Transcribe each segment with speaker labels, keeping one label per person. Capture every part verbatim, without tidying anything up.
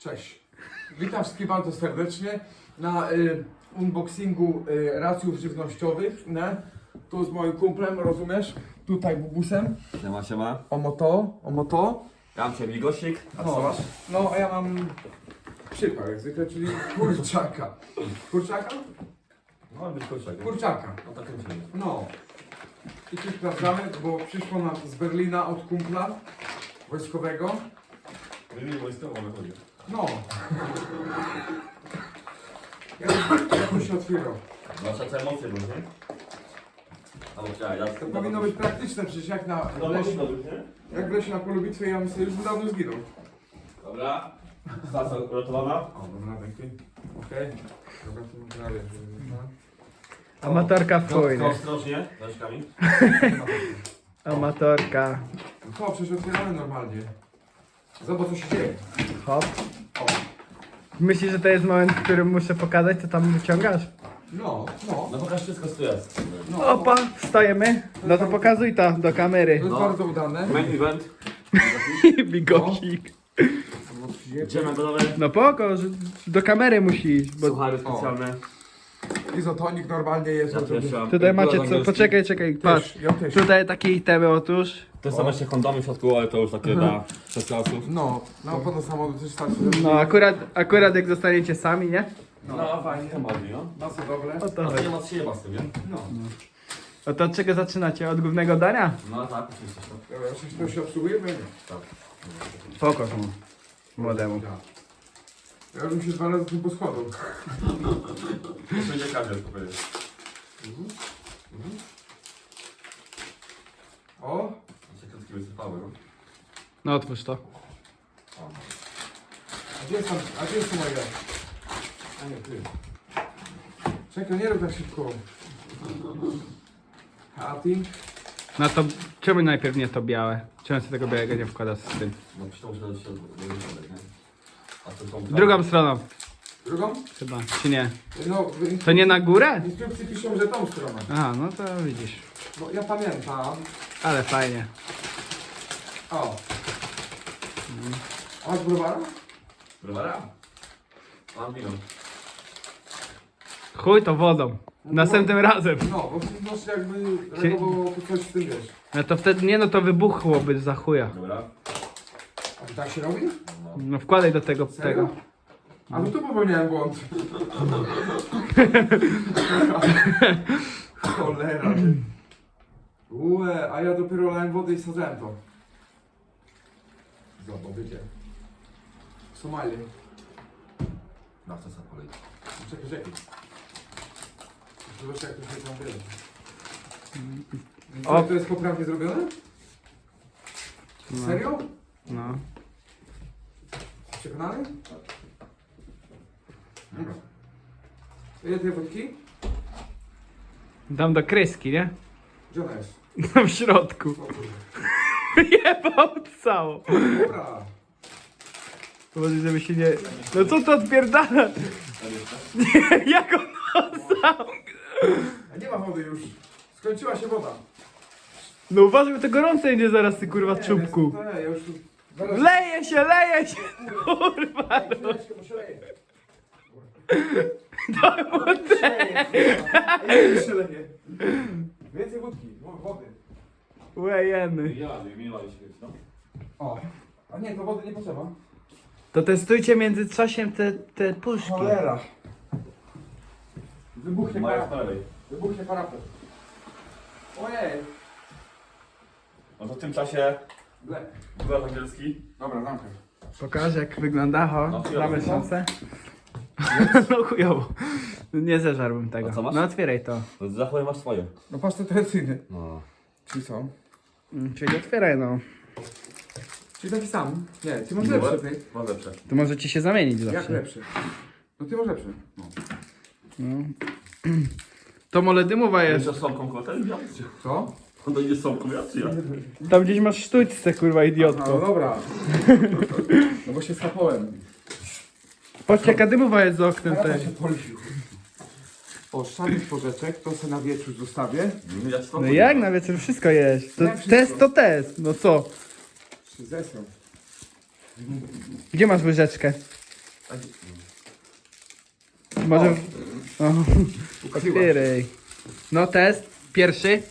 Speaker 1: Cześć. Witam wszystkich bardzo serdecznie na y, unboxingu y, racjów żywnościowych. Nie? Tu z moim kumplem, rozumiesz? Tutaj bubusem.
Speaker 2: Siema, siema.
Speaker 1: Omo to, omo to.
Speaker 2: Ja mam cię migosik, a co
Speaker 1: No,
Speaker 2: masz?
Speaker 1: no a ja mam przypał jak zwykle, czyli kurczaka. Kurczaka?
Speaker 2: No, być kurczak.
Speaker 1: Kurczaka.
Speaker 2: No tak kręcimy.
Speaker 1: No. I tu sprawdzamy, bo przyszło nam z Berlina od kumpla wojskowego.
Speaker 2: Wymień wojskową wychodzi.
Speaker 1: No. Jak, jak to się otwierał?
Speaker 2: Zwłaszcza te emocje były, nie? Albo chciałem, ja
Speaker 1: To powinno być praktyczne, przecież jak na
Speaker 2: No
Speaker 1: w lesie,
Speaker 2: powinno być, nie?
Speaker 1: jak w lesie na polu bitwy, ja bym sobie już dawno zginął.
Speaker 2: Dobra. Stacja uratowana.
Speaker 1: O, dobra, dzięki. Okej. Dobra, to mam prawie, żeby...
Speaker 3: Amatorka w chuj,
Speaker 2: Tylko
Speaker 3: nie?
Speaker 2: ostrożnie, rączkami.
Speaker 3: Amatorka.
Speaker 1: No to, przecież otwieramy normalnie. Zobacz, co się dzieje.
Speaker 3: Hop.
Speaker 1: O.
Speaker 3: Myślisz, że to jest moment, w którym muszę pokazać, co tam wyciągasz?
Speaker 1: No, no.
Speaker 2: No pokaż wszystko, co tu jest.
Speaker 1: no
Speaker 3: Opa, stajemy. No to pokazuj to do
Speaker 1: To
Speaker 3: kamery.
Speaker 1: jest
Speaker 2: No.
Speaker 1: bardzo udane.
Speaker 2: Main event.
Speaker 3: Bigosik.
Speaker 2: Idziemy gotowe.
Speaker 3: No poko, że do kamery musi iść, bo
Speaker 2: Suchary specjalne.
Speaker 1: Izotonik normalnie jest.
Speaker 2: Ja tu
Speaker 1: oczywiście.
Speaker 2: jeszcze mam.
Speaker 3: tutaj macie
Speaker 2: Piłek
Speaker 3: co,
Speaker 2: angielski.
Speaker 3: poczekaj, czekaj, patrz.
Speaker 1: Też, ja też.
Speaker 3: Tutaj takie itemy otóż.
Speaker 2: To są jeszcze kondomy w środku, ale to już takie dla przeslasów.
Speaker 1: No, na opłatę samochodu też starczy. żeby-
Speaker 3: No akurat, akurat jak zostaniecie sami, nie?
Speaker 2: No fajnie, bardziej, no.
Speaker 1: Na co dobre?
Speaker 3: O to
Speaker 2: A to
Speaker 3: chodzi.
Speaker 2: nie ma się z tym, nie?
Speaker 1: No.
Speaker 3: No to od czego zaczynacie? Od głównego dania?
Speaker 2: No tak, oczywiście. to.
Speaker 1: Dobra, coś to się obsługuje? Bo ja nie.
Speaker 2: Tak.
Speaker 3: Poko młodemu.
Speaker 1: Ja. Ja już bym się dwa razy tym poschodził.
Speaker 2: To będzie każdy powiedzieć.
Speaker 1: O!
Speaker 2: Się krótki wysypały, no.
Speaker 3: No otwórz to.
Speaker 1: A gdzie jest tam, a gdzie jest tu moje? A nie, ty. Czekaj, nie rób tak szybko. A ty?
Speaker 3: No to czemu najpierw nie to białe? Czemu sobie tego białego nie wkłada z tym?
Speaker 2: No przecież to muszę dać się do środek, nie? A to są
Speaker 3: Drugą stroną
Speaker 1: Drugą?
Speaker 3: chyba, czy nie?
Speaker 1: No, w instru-
Speaker 3: To nie na górę?
Speaker 1: w instrukcji piszą, że tą stroną.
Speaker 3: Aha, no to widzisz.
Speaker 1: No ja pamiętam.
Speaker 3: Ale fajnie.
Speaker 1: O. A masz browara?
Speaker 2: Browara? Mam wino.
Speaker 3: Chuj to wodą. Następnym razem.
Speaker 1: No, bo masz jakby reagowało to coś z tym wiesz.
Speaker 3: No to wtedy nie, no to wybuchłoby za chuja.
Speaker 2: Dobra.
Speaker 1: A to tak się robi?
Speaker 2: No.
Speaker 3: No wkładaj do tego,
Speaker 1: Serio?
Speaker 3: tego.
Speaker 1: A no tu popełniałem błąd. Cholera. Ue, a ja dopiero lałem wodę i sadzałem to. Zobacz, wiecie. W Somalii.
Speaker 2: Na co sobie polej.
Speaker 1: Czekaj, czekaj. Zobacz jak to się tam dzieje.
Speaker 3: O.
Speaker 1: O, to jest poprawnie zrobione?
Speaker 3: No.
Speaker 1: Serio?
Speaker 3: No.
Speaker 1: Przekonany? Dobra. Ile tej wódki?
Speaker 3: Dam do kreski, nie?
Speaker 1: Gdzie ona jest?
Speaker 3: No w środku.
Speaker 1: O kurde.
Speaker 3: Jebał cało.
Speaker 1: Dobra.
Speaker 3: Może żeby się nie... No co to odpierdala? Nie, jak on sam?
Speaker 1: A nie ma wody już. Skończyła się woda.
Speaker 3: No uważaj, bo to gorące będzie zaraz ty kurwa
Speaker 1: Nie,
Speaker 3: czubku.
Speaker 1: To nie, ja już tu... Zaraz...
Speaker 3: Leje się, leje się! Kurwa!
Speaker 1: Ej, chwileczkę, bo się leje.
Speaker 3: To
Speaker 1: się leje. Ej, się leje. Więcej wódki, wo- wody.
Speaker 3: Łejeny.
Speaker 2: Ja, nie miała się no.
Speaker 1: O. A nie, to wody nie potrzeba.
Speaker 3: To testujcie między czasem te, te puszki.
Speaker 1: Cholera. Wybuchnie
Speaker 2: Maja z
Speaker 1: parapet.
Speaker 2: prawej.
Speaker 1: Wybuchnie parapet. Ojej.
Speaker 2: No to w tym czasie
Speaker 1: Ble.
Speaker 2: była angielski.
Speaker 1: Dobra, zamknę.
Speaker 3: Pokaż jak wygląda,
Speaker 2: No,
Speaker 3: ho,
Speaker 2: chujowo,
Speaker 3: damy
Speaker 2: no.
Speaker 3: szansę. No chujowo. Nie zeżarłbym tego.
Speaker 2: A co masz?
Speaker 3: No otwieraj to.
Speaker 2: No zachowaj masz swoje.
Speaker 1: No patrz, to tradycyjny.
Speaker 2: No.
Speaker 1: Czyli co?
Speaker 3: Mm, Czyli otwieraj no.
Speaker 1: Czyli taki sam. Nie, ty masz lepszy, ty.
Speaker 2: Mam lepsze.
Speaker 3: To może ci się zamienić
Speaker 1: Jak
Speaker 3: zawsze.
Speaker 1: lepszy? No ty masz lepszy. No.
Speaker 3: No. To mole dymowa jest.
Speaker 2: Jeszcze słomką kotę?
Speaker 1: Co?
Speaker 2: On to idzie słomką, ja czy ja?
Speaker 3: Tam gdzieś masz sztućce kurwa
Speaker 1: No
Speaker 3: idiotko.
Speaker 1: dobra. No bo się schapałem.
Speaker 3: Patrzcie jaka dymowa jest za oknem
Speaker 1: Teraz
Speaker 3: też.
Speaker 1: się policzył. O, szarnych porzeczek, to se na wieczór zostawię.
Speaker 2: No ja ci
Speaker 3: No jak na wieczór wszystko jest. To
Speaker 1: Jak wszystko?
Speaker 3: test to test. No co?
Speaker 1: Się zesrał.
Speaker 3: Gdzie masz łyżeczkę?
Speaker 1: A gdzie-
Speaker 3: Może... O,
Speaker 1: Ukryła.
Speaker 3: otwieraj. No test, pierwszy.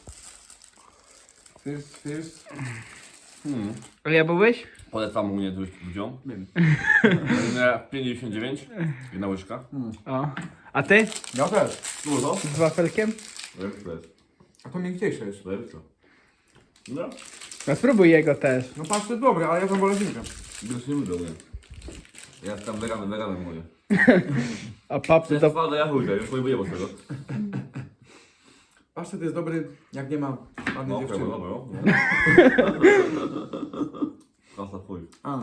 Speaker 1: First, first.
Speaker 2: Hmm.
Speaker 3: A ja byłeś?
Speaker 2: Polecam u mnie tu ludziom.
Speaker 1: Wiem.
Speaker 2: pięć dziewięćdziesiąt dziewięć. Jedna łyżka.
Speaker 3: O. A ty?
Speaker 1: Ja też.
Speaker 2: Dużo?
Speaker 3: Z wafelkiem?
Speaker 2: Lepsze jest.
Speaker 1: A to miękciejsze jest.
Speaker 2: Lepsze. No.
Speaker 3: No spróbuj jego też.
Speaker 1: No patrz, to jest dobre, ale ja tam wolę zinkę.
Speaker 2: Już nie lubię mnie. Ja jestem weganem, weganem mówię.
Speaker 3: A
Speaker 2: To
Speaker 3: papy
Speaker 2: jest
Speaker 3: to...
Speaker 2: twarde jachujka, już nie boję z tego.
Speaker 1: Pasztet jest dobry, jak nie ma ładnej
Speaker 2: No,
Speaker 1: dziewczyny.
Speaker 2: dobra, no. Klasa chuj.
Speaker 1: A.